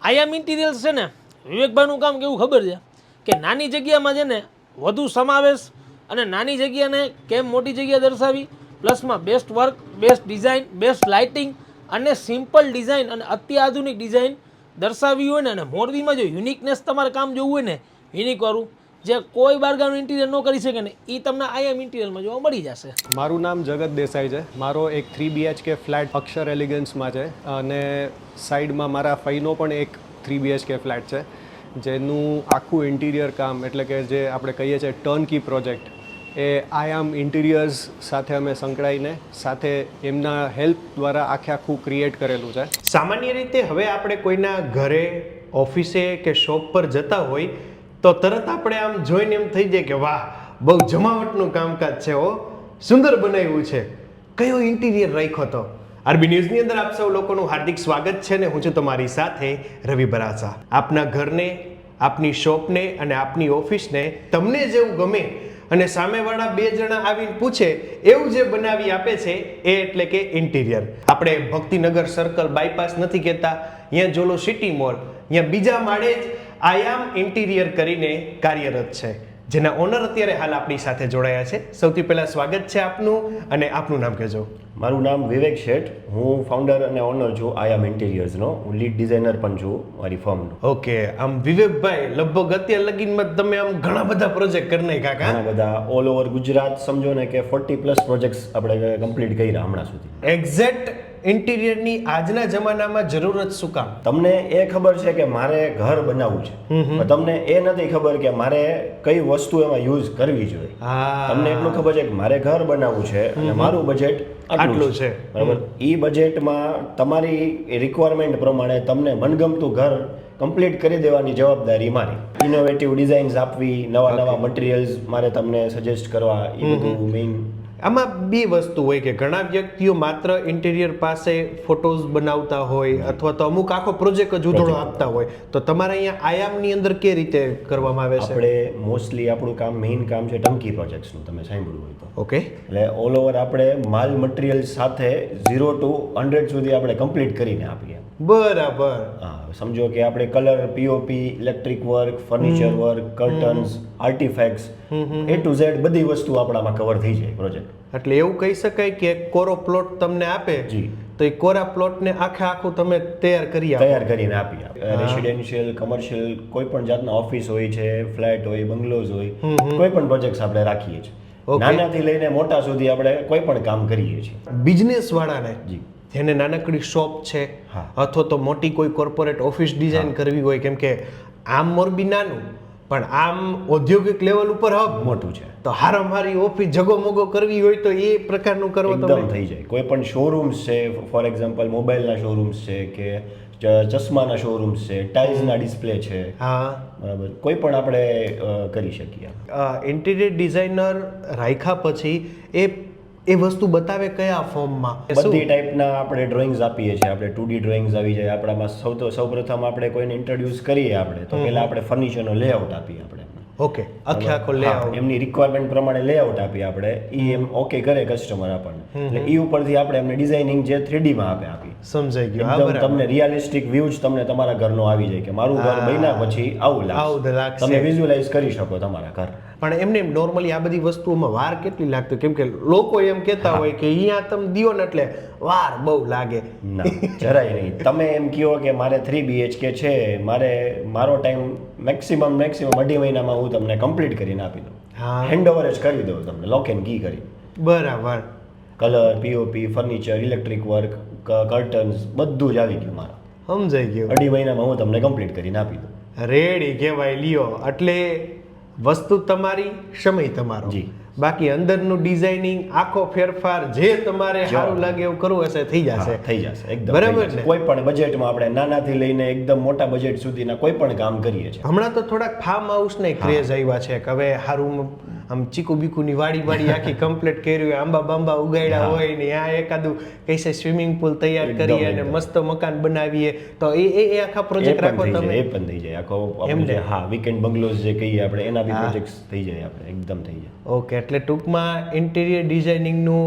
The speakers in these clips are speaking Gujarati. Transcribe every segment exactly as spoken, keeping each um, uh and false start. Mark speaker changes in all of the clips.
Speaker 1: આયામ ઇન્ટિરિયર્સ છે ને વિવેકભાઈનું કામ કેવું ખબર છે કે નાની જગ્યામાં છે ને વધુ સમાવેશ અને નાની જગ્યાને કેમ મોટી જગ્યા દર્શાવી, પ્લસમાં best work, best design, best lighting અને સિમ્પલ ડિઝાઇન અને અત્યાધુનિક ડિઝાઇન દર્શાવી હોય ને, અને મોરબીમાં જો યુનિકનેસ તમારે કામ જોવું હોય ને યુનિકવાળું, જે કોઈ બારગાનું ઇન્ટિરિયર ન કરી શકે ને એ તમને આયામ ઇન્ટિરિયરમાં જોવા મળી જશે.
Speaker 2: મારું નામ જગત દેસાઈ છે. મારો એક થ્રી બીએચકે ફ્લેટ અક્ષર એલિગન્સમાં છે અને સાઈડમાં મારા ફઈનો પણ એક થ્રી બીએચકે ફ્લેટ છે, જેનું આખું ઇન્ટિરિયર કામ એટલે કે જે આપણે કહીએ છીએ ટર્નકી પ્રોજેક્ટ, એ આયામ ઇન્ટિરિયર્સ સાથે અમે સંકળાઈને સાથે એમના હેલ્પ દ્વારા આખે આખું ક્રિએટ કરેલું છે.
Speaker 3: સામાન્ય રીતે હવે આપણે કોઈના ઘરે, ઓફિસે કે શોપ પર જતા હોય તો તરત આપણે આમ જોઈને એમ થઈ જાય કે વાહ, બહુ જમાવટનું કામકાજ છે, હો સુંદર બનાવ્યું છે, કયો ઇન્ટિરિયર રાખ્યો હતો. આરબી ન્યૂઝની અંદર આપ સૌ લોકોનું હાર્દિક સ્વાગત છે ને હું છું તમારી સાથે રવિ બરાસા. આપના ઘરને, આપની શોપને અને આપની ઓફિસને તમને જેવું ગમે અને સામેવાળા બે જણા આવીને પૂછે એવું જે બનાવી આપે છે એ એટલે કે ઇન્ટિરિયર. આપણે ભક્તિનગર સર્કલ બાયપાસ નથી કહેતા, અહીંયા જોલો સિટી મોલ, અહીંયા બીજા માળે જ આયામ ઇન્ટિરિયર કરીને કાર્યરત છે, જેના ઓનર અત્યારે હાલ આપણી સાથે જોડાયા છે. સૌથી પહેલા સ્વાગત છે આપનું, અને આપનું નામ કહેજો.
Speaker 4: મારું નામ વિવેક શેઠ, હું ફાઉન્ડર અને ઓનર છું આયામ ઇન્ટિરિયર્સનો. હું લીડ ડિઝાઇનર પણ છું મારી ફર્મનો.
Speaker 3: ઓકે, આમ વિવેકભાઈ લગભગ અત્યાર લગીનમાં તમે આમ ઘણા બધા પ્રોજેક્ટ કરી નાખ્યા કા?
Speaker 4: ઘણા બધા ઓલ ઓવર ગુજરાત સમજો ને કે ફોર્ટી પ્લસ પ્રોજેક્ટ્સ આપણે કમ્પ્લીટ કર્યા હમણાં સુધી.
Speaker 3: એક્ઝેક્ટ ઇન્ટિરિયરની આજના જમાનામાં જરૂરત શું કામ?
Speaker 4: તમને એ ખબર છે કે મારે ઘર બનાવવું છે, પણ તમને એ નથી ખબર કે મારે કઈ વસ્તુ એમાં યુઝ કરવી જોઈએ. તમને એટલું ખબર છે કે મારે ઘર બનાવવું છે અને મારું બજેટ આટલું છે, બરાબર. એ બજેટમાં તમારી રિક્વાયરમેન્ટ પ્રમાણે તમને મનગમતું ઘર કમ્પ્લીટ કરી દેવાની જવાબદારી મારી. ઇનોવેટિવ ડિઝાઇન્સ આપવી, નવા નવા મટીરિયલ્સ મારે તમને સજેસ્ટ કરવા, એ બધું મેઇન.
Speaker 3: આમાં બે વસ્તુ હોય કે ઘણા વ્યક્તિઓ માત્ર ઇન્ટિરિયર પાસે ફોટોઝ બનાવતા હોય અથવા તો અમુક આખો પ્રોજેક્ટ જ ઉધોળો આપતા હોય, તો તમારે અહીંયા આયામની અંદર કે રીતે કરવામાં આવે છે?
Speaker 4: આપણે મોસ્ટલી આપણું કામ મેઇન કામ છે ટર્નકી પ્રોજેક્ટ્સનું, તમે સાંભળ્યું હોય તો.
Speaker 3: ઓકે,
Speaker 4: એટલે ઓલ ઓવર આપણે માલ મટીરિયલ સાથે ઝીરો ટુ હંડ્રેડ સુધી આપણે કમ્પ્લીટ કરીને આપીએ.
Speaker 3: બરાબર.
Speaker 4: હા, સમજો કે આપણે colour, POP, electric work, furniture work, curtains, artifacts, A to Z બધી વસ્તુ આપણામાં કવર થઈ જાય પ્રોજેક્ટ.
Speaker 3: એટલે એવું કહી શકાય કે કોરો પ્લોટ તમને આપે
Speaker 4: જી,
Speaker 3: તો એ કોરા પ્લોટને આખે આખું તમે તૈયાર કરી આપો.
Speaker 4: તૈયાર કરીને આપીએ. રેસિડેન્શિયલ, કમર્શિયલ, કોઈ પણ જાતના ઓફિસ હોય છે, ફ્લેટ હોય, બંગલોઝ હોય, કોઈ પણ પ્રોજેક્ટ્સ આપણે રાખીએ છીએ. નાનાથી લઈને મોટા સુધી આપણે કોઈ પણ કામ કરીએ છીએ.
Speaker 3: બિઝનેસ વાળાને
Speaker 4: જી,
Speaker 3: જેને નાનકડી શોપ છે અથવા તો મોટી કોઈ કોર્પોરેટ ઓફિસ ડિઝાઇન કરવી હોય, કેમ કે આમ મોરબી નાનું પણ આમ ઔદ્યોગિક લેવલ ઉપર હબ
Speaker 4: મોટું છે,
Speaker 3: તો હારામારી ઓફિસ જગોમગો કરવી હોય તો એ પ્રકારનું કરવો
Speaker 4: એકદમ થઈ જાય. કોઈ પણ શોરૂમ્સ છે, ફોર એક્ઝામ્પલ મોબાઈલના શોરૂમ્સ છે કે ચશ્માના શોરૂમ્સ છે, ટાઇલ્સના ડિસ્પ્લે છે, હા બરાબર, કોઈ પણ આપણે કરી શકીએ.
Speaker 3: ઇન્ટિરિયર ડિઝાઇનર રાખ્યા પછી એ એ વસ્તુ બતાવે કયા ફોર્મમાં?
Speaker 4: બધી ટાઈપના આપણે ડ્રોઈંગ્સ આપીએ છીએ. આપણે ટુ ડી ડ્રોઈંગ્સ આવી જાય આપણામાં. સૌ તો સૌપ્રથમ આપણે કોઈને ઇન્ટ્રોડ્યુસ કરીએ આપણે તો પહેલા આપણે ફર્નિચરનો લેઆઉટ આપીએ આપણે.
Speaker 3: ઓકે, આખે આખો લેઆઉટ
Speaker 4: એમની રિક્વાયરમેન્ટ પ્રમાણે લેઆઉટ આપીએ આપણે. એ એમ ઓકે કરે કસ્ટમર આપણને, એટલે એ ઉપરથી આપણે એમને ડિઝાઇનિંગ જે થ્રીડી માં આપે આપી.
Speaker 3: સમજાઈ ગયું.
Speaker 4: એકદમ તમને રિયલિસ્ટિક વ્યૂ જ તમને તમારા ઘરનો આવી જાય કે મારું ઘર બન્યા પછી આવું લાગશે, તમે વિઝ્યુઅલાઇઝ કરી શકો તમારા ઘર.
Speaker 3: પણ એમને નોર્મલી આ બધી વસ્તુઓમાં વાર કેટલી લાગતી? કેમ કે લોકો એમ કહેતા હોય કે અહીંયા તમે દિયો ને એટલે વાર બહુ લાગે.
Speaker 4: ના, જરાય નહીં. તમે એમ કહો કે મારે થ્રી બીએચકે છે, મારે મારો ટાઈમ મેક્સિમમ મેક્સિમમ અઢી મહિનામાં હું તમને કમ્પ્લીટ કરીને આપી દઉં. હેન્ડ ઓવર જ કરી દઉં તમને, લોક એન્ડ કી કરી.
Speaker 3: બરાબર.
Speaker 4: Colour, POP, furniture, electric work, curtains બધું જ આવી ગયું મારા.
Speaker 3: સમજાઈ ગયું.
Speaker 4: અઢી મહિનામાં હું તમને કમ્પ્લીટ કરીને આપી દઉં.
Speaker 3: રેડી કહેવાય. લ્યો, એટલે વસ્તુ તમારી, સમય તમારો.
Speaker 4: જી.
Speaker 3: બાકી અંદરનું ડિઝાઇનિંગ, આખો ફેરફાર જે તમારે સારું લાગે એવું કરવું હશે થઈ જશે.
Speaker 4: થઈ જશે એકદમ.
Speaker 3: બરાબર ને?
Speaker 4: કોઈ પણ બજેટમાં આપણે નાનાથી લઈને એકદમ મોટા બજેટ સુધીના કોઈ પણ કામ કરીએ છીએ.
Speaker 3: હમણાં તો થોડાક ફાર્મ હાઉસ ને ક્રેઝ આવ્યા છે કે હવે હારું આમ ચીકુ બીકુની વાડી વાડી આખી કમ્પ્લીટ કરી હોય, આંબા બાંબા ઉગાડ્યા હોય ને આ એકાદું કૈસે સ્વિમિંગ પુલ તૈયાર કરીએ અને મસ્ત મકાન બનાવીએ તો એ એ આખા પ્રોજેક્ટ રાખો તમે.
Speaker 4: એ પણ થઈ જાય આખો. હા, વીકેન્ડ બંગલોઝ જે કહીએ આપણે એના બી પ્રોજેક્ટ્સ થઈ જાય આપણે એકદમ થઈ જાય.
Speaker 3: ઓકે, એટલે ટૂંકમાં ઇન્ટિરિયર ડિઝાઇનિંગનું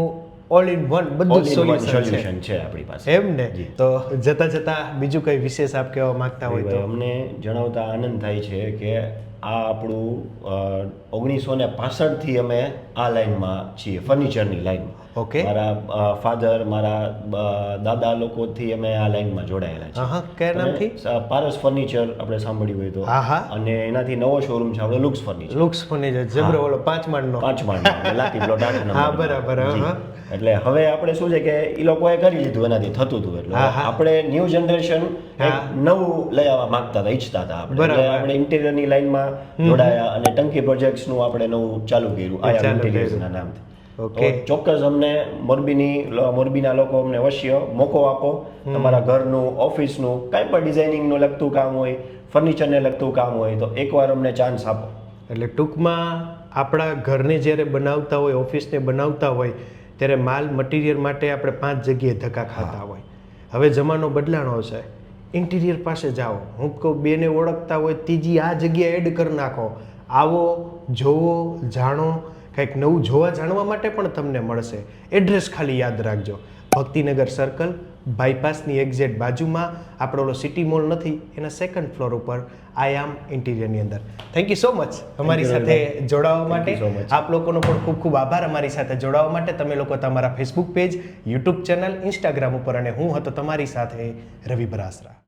Speaker 3: ઓલ ઇન વન બધું જ સોલ્યુશન છે
Speaker 4: સોલ્યુશન છે આપણી પાસે.
Speaker 3: એમ ને? તો જતા જતા બીજું કઈ વિશેષ આપ કહેવા માંગતા હોય તો?
Speaker 4: અમને જણાવતા આનંદ થાય છે કે આ આપણું ઓગણીસો ને પાસઠ થી અમે આ લાઈનમાં છીએ, ફર્નિચરની લાઈનમાં.
Speaker 3: ઓકે.
Speaker 4: મારા ફાધર, મારા અ, દાદા લોકોથી અમે આ લાઈનમાં જોડાયેલા છીએ.
Speaker 3: હા, કયા નામથી?
Speaker 4: અને, અ, પારસ ફર્નિચર આપણે સાંભળ્યું હોય તો.
Speaker 3: હા, હા.
Speaker 4: અને એનાથી નવો શોરૂમ છે આપણે લુક્સ ફર્નિચર.
Speaker 3: લુક્સ ફર્નિચર જબરો, ઓલો પાંચ માળનો.
Speaker 4: પાંચ માળનો લાતી પ્લોટ આઠ નંબર.
Speaker 3: હા, બરાબર. હા.
Speaker 4: એટલે હવે આપણે શું છે કે એ લોકોએ કરી લીધું, એનાથી થતું હતું. એટલે આપણે ન્યૂ જનરેશન નવું લઈ આવવા માંગતા હતા, ઈચ્છતા હતા આપણે. એટલે આપણે ઇન્ટિરિયરની લાઈનમાં જોડાયા અને ટંકી પ્રોજેક્ટ્સનું આપણે નવું ચાલુ કર્યું આયા ઇન્ટિરિયર્સના નામથી.
Speaker 3: ઓકે.
Speaker 4: તો ચોક્કસ અમને મોરબીની મોરબીના લોકો અમને અવશ્ય મોકો આપો. તમારા ઘરનું, ઓફિસનું, કાંઈ પણ ડિઝાઇનિંગનું લગતું કામ હોય, ફર્નિચરને લગતું કામ હોય તો એકવાર અમને ચાન્સ આપો.
Speaker 3: એટલે ટૂંકમાં આપણા ઘરને જ્યારે બનાવતા હોય, ઓફિસને બનાવતા હોય ત્યારે માલ મટીરિયલ માટે આપણે પાંચ જગ્યાએ ધક્કા ખાતા હોય. હવે જમાનો બદલાણો છે, ઇન્ટિરિયર પાસે જાઓ. હું કહું બેને ઓળખતા હોય ત્રીજી આ જગ્યાએ એડ કરી નાખો. આવો, જોવો, જાણો, કંઈક નવું જોવા જાણવા માટે પણ તમને મળશે. એડ્રેસ ખાલી યાદ રાખજો, ભક્તિનગર સર્કલ, બાયપાસની એક્ઝેક્ટ બાજુમાં આપણો ઓલો સિટી મોલ નથી એના સેકન્ડ ફ્લોર ઉપર આયામ ઇન્ટિરિયરની અંદર. થેન્ક યુ સો મચ અમારી સાથે જોડાવા માટે. આપ લોકોનો પણ ખૂબ ખૂબ આભાર અમારી સાથે જોડાવા માટે. તમે લોકો તમારા Facebook page, YouTube channel, Instagram ઉપર, અને હું હતો તમારી સાથે રવિ બરાસરા.